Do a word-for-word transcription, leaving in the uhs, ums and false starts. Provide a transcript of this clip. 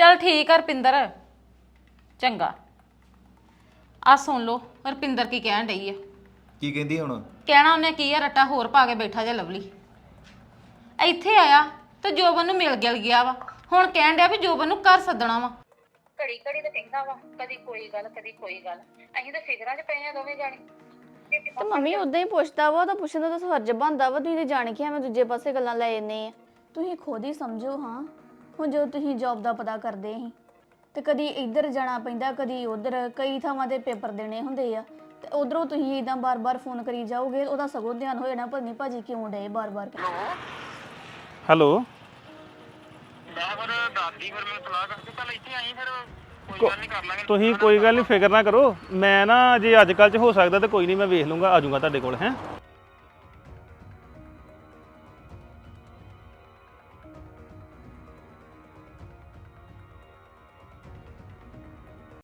चल ठीक है रपिंदर चंगा आ सुन लो रपिंदर की कहन डई है ਕੀ ਕਹਿੰਦੀ ਹੁਣ कहना उन्हें की है रट्टा होर पा के बैठा जे लवली ਇੱਥੇ आया तो जोबन ਨੂੰ मिल गिल गया वा ਹੁਣ ਕਹਿਣ ਡਿਆ ਵੀ ਜੋਬਨ ਨੂੰ ਘਰ ਸੱਦਣਾ ਵਾ ਘੜੀ ਘੜੀ ਤੇ ਕਹਿੰਦਾ ਵਾ ਕਦੀ ਕੋਈ ਗੱਲ ਕਦੀ ਕੋਈ ਗੱਲ ਅਸੀਂ ਤਾਂ ਫਿਕਰਾਂ 'ਚ ਪਏ ਆ ਦੋਵੇਂ ਜਾਣੇ ਤੇ ਮੰਮੀ ਉਦਾਂ ਹੀ ਪੁੱਛਦਾ ਵਾ ਤਾਂ ਪੁੱਛਣ ਦਾ ਤਾਂ ਫਰਜ਼ ਬਣਦਾ ਵਾ ਤੁਸੀਂ ਤੇ ਜਾਣ ਕੇ ਐਵੇਂ ਦੂਜੇ ਪਾਸੇ ਗੱਲਾਂ ਲੈ ਜੰਨੇ ਆ ਤੁਸੀਂ ਖੁਦ ਹੀ ਸਮਝੋ ਹਾਂ ਹੁਣ ਜਦੋਂ ਤੁਸੀਂ ਜੌਬ ਦਾ ਪਤਾ ਕਰਦੇ ਸੀ ਤੇ ਕਦੀ ਇੱਧਰ ਜਾਣਾ ਪੈਂਦਾ ਕਦੀ ਉੱਧਰ ਕਈ ਥਾਵਾਂ ਤੇ ਪੇਪਰ ਦੇਣੇ ਹੁੰਦੇ ਆ ਤੇ ਉਧਰੋਂ ਤੁਸੀਂ ਇਦਾਂ ਬਾਰ-ਬਾਰ ਫੋਨ ਕਰੀ ਜਾਓਗੇ ਉਹਦਾ ਸਗੋਂ ਧਿਆਨ ਹੋ ਜਾਣਾ ਪਤਾ ਨਹੀਂ ਭਾਜੀ ਕਿਉਂ ਡਏ ਬਾਰ-ਬਾਰ ਹੈਲੋ ਮੈਂ ਫਿਰ ਦਾਦੀ ਫਿਰ ਮੈਨੂੰ ਸਲਾਹ ਕਰਕੇ ਪਹਿਲਾਂ ਇੱਥੇ ਆਈ ਫਿਰ ਕੋਈ ਗੱਲ ਨਹੀਂ ਕਰ ਲਾਂਗੇ ਤੁਸੀਂ ਕੋਈ ਗੱਲ ਨਹੀਂ ਫਿਕਰ ਨਾ ਕਰੋ ਮੈਂ ਨਾ ਜੇ ਅੱਜ ਕੱਲ੍ਹ 'ਚ ਹੋ ਸਕਦਾ ਤਾਂ ਕੋਈ ਨਹੀਂ ਮੈਂ ਵੇਖ ਲੂੰਗਾ ਆ ਜਾਊਂਗਾ ਤੁਹਾਡੇ ਕੋਲ ਹੈ